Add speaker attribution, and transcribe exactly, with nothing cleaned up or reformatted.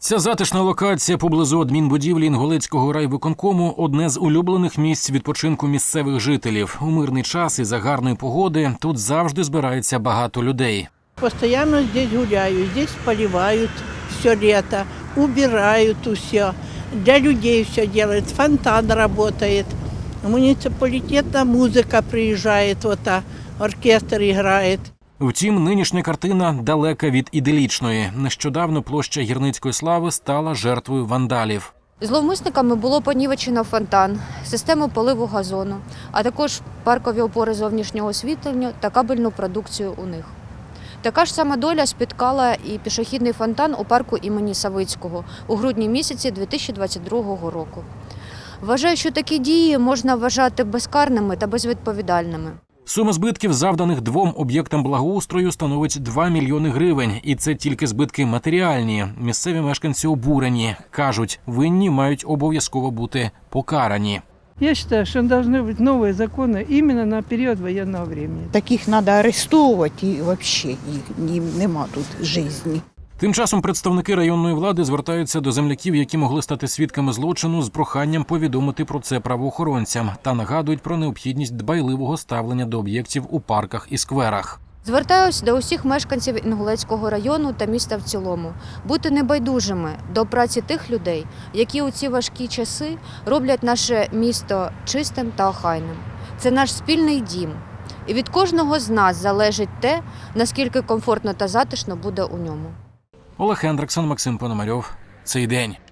Speaker 1: Ця затишна локація поблизу адмінбудівлі Інгулецького райвиконкому – одне з улюблених місць відпочинку місцевих жителів. У мирний час і за гарної погоди тут завжди збирається багато людей.
Speaker 2: Постоянно здесь гуляю, здесь поливают все лето, убирают все. Для людей все делают, фонтан работает, муниципалитетная музыка приезжает, вот, а, оркестр играет.
Speaker 1: Втім, нинішня картина далека від іделічної. Нещодавно площа Гірницької слави стала жертвою вандалів.
Speaker 3: Зловмисниками було понівечено фонтан, систему поливу газону, а також паркові опори зовнішнього освітлення та кабельну продукцію у них. Така ж сама доля спіткала і пішохідний фонтан у парку імені Савицького у грудні місяці дві тисячі двадцять другого року. Вважаю, що такі дії можна вважати безкарними та безвідповідальними.
Speaker 1: Сума збитків, завданих двом об'єктам благоустрою, становить два мільйони гривень. І це тільки збитки матеріальні. Місцеві мешканці обурені. Кажуть, винні мають обов'язково бути покарані.
Speaker 4: Я считаю, что должны быть новые законы именно на период военного времени.
Speaker 5: Таких треба арестовувати і взагалі їм нема тут житті.
Speaker 1: Тим часом представники районної влади звертаються до земляків, які могли стати свідками злочину, з проханням повідомити про це правоохоронцям та нагадують про необхідність дбайливого ставлення до об'єктів у парках і скверах.
Speaker 3: Звертаюсь до усіх мешканців Інгулецького району та міста в цілому бути небайдужими до праці тих людей, які у ці важкі часи роблять наше місто чистим та охайним. Це наш спільний дім. І від кожного з нас залежить те, наскільки комфортно та затишно буде у ньому.
Speaker 1: Олег Хендриксон, Максим Пономарьов. Цей день.